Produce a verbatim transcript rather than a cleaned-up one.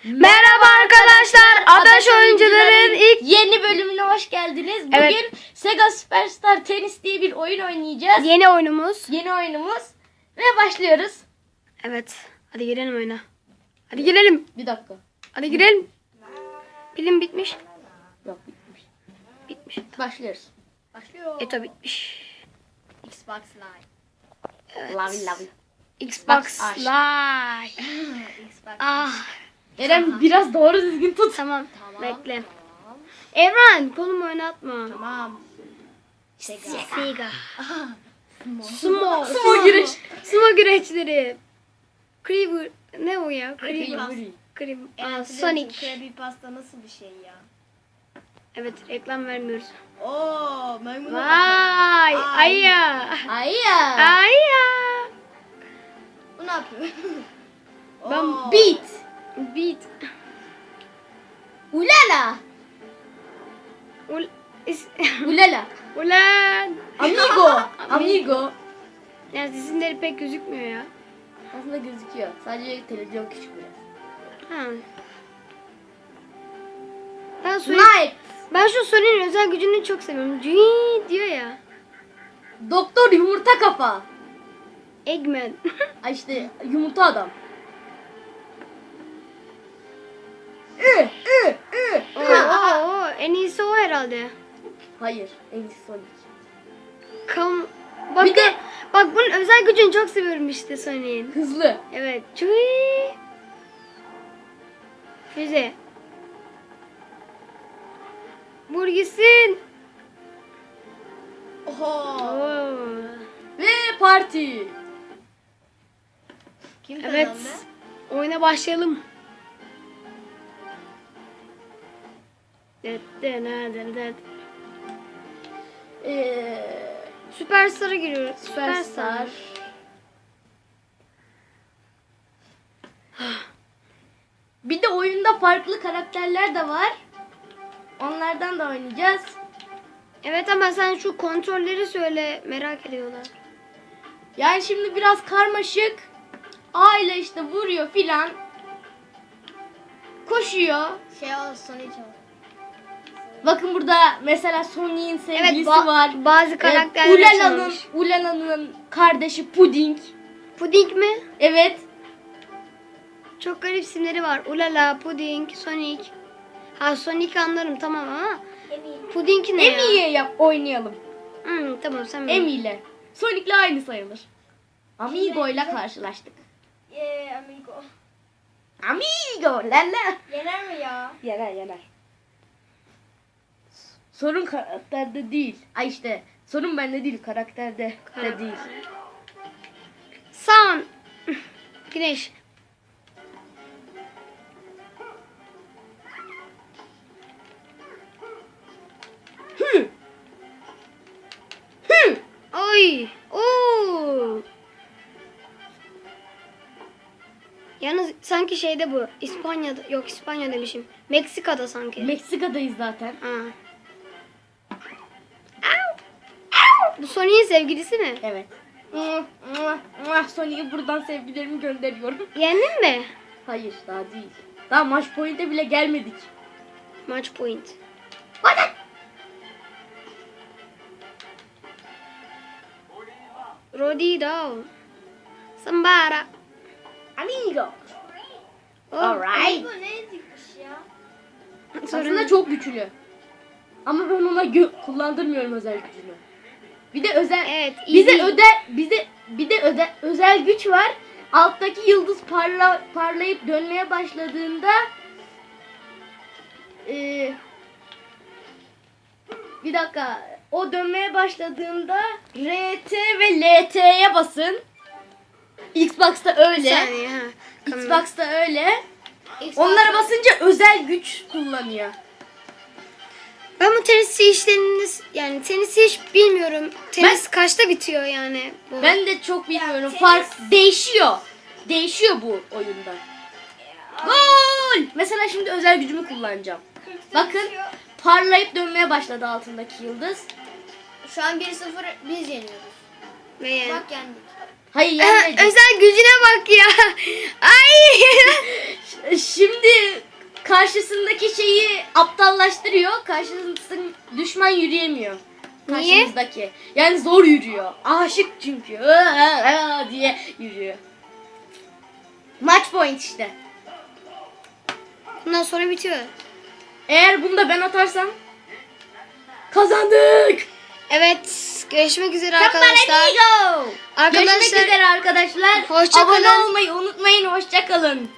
Merhaba arkadaşlar, Adaş Oyuncuların ilk yeni bölümüne hoş geldiniz. Bugün Evet. Sega Superstar Tennis diye bir oyun oynayacağız. yeni oyunumuz. Yeni oyunumuz ve başlıyoruz. Evet, hadi girelim oyuna. Hadi girelim. Bir dakika. Hadi girelim. Pilim bitmiş. Yok bitmiş. Bitmiş. Başlıyoruz. Başlıyor. Eto bitmiş. Xbox Live. Evet. Lavi lavi. Xbox aç. Live. Xbox. Ah, Eren biraz doğru düzgün tut. tamam. Tamam. Bekle. Evren, kolumu oynatma. Tamam. Sega. Sega. Sumo. Sumo güreş. Sumo güreşleri. Creeper. Ne o ya? Creeper. Creeper. Creeper. Aa, Aa, Sonic. Krabby pasta nasıl bir şey ya? Evet, reklam vermiyoruz. Oo, maymun. Vay, Ay. ayya. Ay ya. Ayya. Bu ne yapıyor? Ben Oo. Beat. Beat. Ulala. Ul is Ulala. Ulan. Amigo. Amigo. Yani isimleri pek gözükmüyor ya. Aslında gözüküyor. Sadece televizyon küçük biraz. Ha. Ben, Sonic, Knight. ben şu Sonic'in özel gücünü çok seviyorum. Cüii diyor ya. Doktor yumurta kafa. Eggman. Ay işte yumurta adam. Ü, ü, ü, Oo, ü. oo, oo, en iyisi o herhalde. Hayır, en iyisi Sonic. Kam bak, Bir de- bak bunun özel gücünü çok seviyorum işte Sonic'in. Hızlı. Evet. Cüii. Füze. Vur gitsin. Oho. Oo. Ve parti. Kim Evet. kazandı? Oyuna başlayalım. Det, det, det, det, det. Ee, Süperstar'a giriyoruz. Superstar. Bir de oyunda farklı karakterler de var. Onlardan da oynayacağız. Evet ama sen şu kontrolleri söyle, merak ediyorlar. Yani şimdi biraz karmaşık. A ile işte vuruyor filan. Koşuyor. Şey ol, Sonic ol. Bakın burada mesela Sonic'in sevgilisi ba- var. bazı karakterler Ee, Ulala'nın açılmış. Ulala'nın kardeşi Pudding. Puding mi? Evet. Çok garip isimleri var. Ulala, Puding, Sonic. Ha Sonic anlarım tamam ama Puding ne ya? Emi'ye yap oynayalım. Hmm, tamam sen Emi ile. Sonic'le aynı sayılır. Amigo ile karşılaştık. Yeee amigo. Amigo lala. Yener mi ya? Yener yener. Sorun karakterde değil. Ay işte sorun bende değil karakterde de değil. Sun. Güneş. Hı. Hı. Oy. Oo. Yalnız sanki şeyde bu. İspanya'da yok İspanya demişim. Meksika'da sanki. Meksika'dayız zaten. Ha. Au. Au. Bu Sonic'in sevgilisi mi? Evet. Mwah, mwah, mwah. Sonic'e buradan sevgilerimi gönderiyorum. Yendin mi? Hayır daha değil. Daha maç point'e bile gelmedik. Match point. Hadi. Rodido. Sambara. Amigo. Oh. Alright. Amigo ne dikmiş ya? Aslında çok güçlü. Ama ben ona gö- kullandırmıyorum özel gücünü. Bir de özel Evet, bize easy. öde bize bir de öde, özel güç var. Alttaki yıldız parla, parlayıp dönmeye başladığında eee bir dakika o dönmeye başladığında R T ve L T'ye basın. Xbox'ta Bir öyle. saniye ha. Kamera. Xbox'ta öyle. Onlara basınca özel güç kullanıyor. Ben bu tenis işlerini yani tenisi hiç bilmiyorum. Tenis kaçta bitiyor yani? Bu? Ben de çok bilmiyorum. tenis- Fark değişiyor. Değişiyor bu oyunda. Gol! Mesela şimdi özel gücümü kullanacağım. Bakın parlayıp dönmeye başladı altındaki yıldız. Şu an bir sıfır biz yeniyoruz. Ve yani Bak yendik. Hayır Aha, yenmedi. özel gücüne bak ya. Ay. Şimdi karşısındaki şeyi aptallaştırıyor. Karşısındaki düşman yürüyemiyor. Niye? Karşımızdaki. Yani zor yürüyor. Aşık çünkü. Aa, aa diye yürüyor. Match point işte. Bundan sonra bitiyor. Eğer bunu da ben atarsam kazandık. Evet. Görüşmek üzere Arkadaşlar. arkadaşlar. Görüşmek Arkadaşlar üzere arkadaşlar. hoşça Abone kalın. olmayı unutmayın. Hoşça kalın.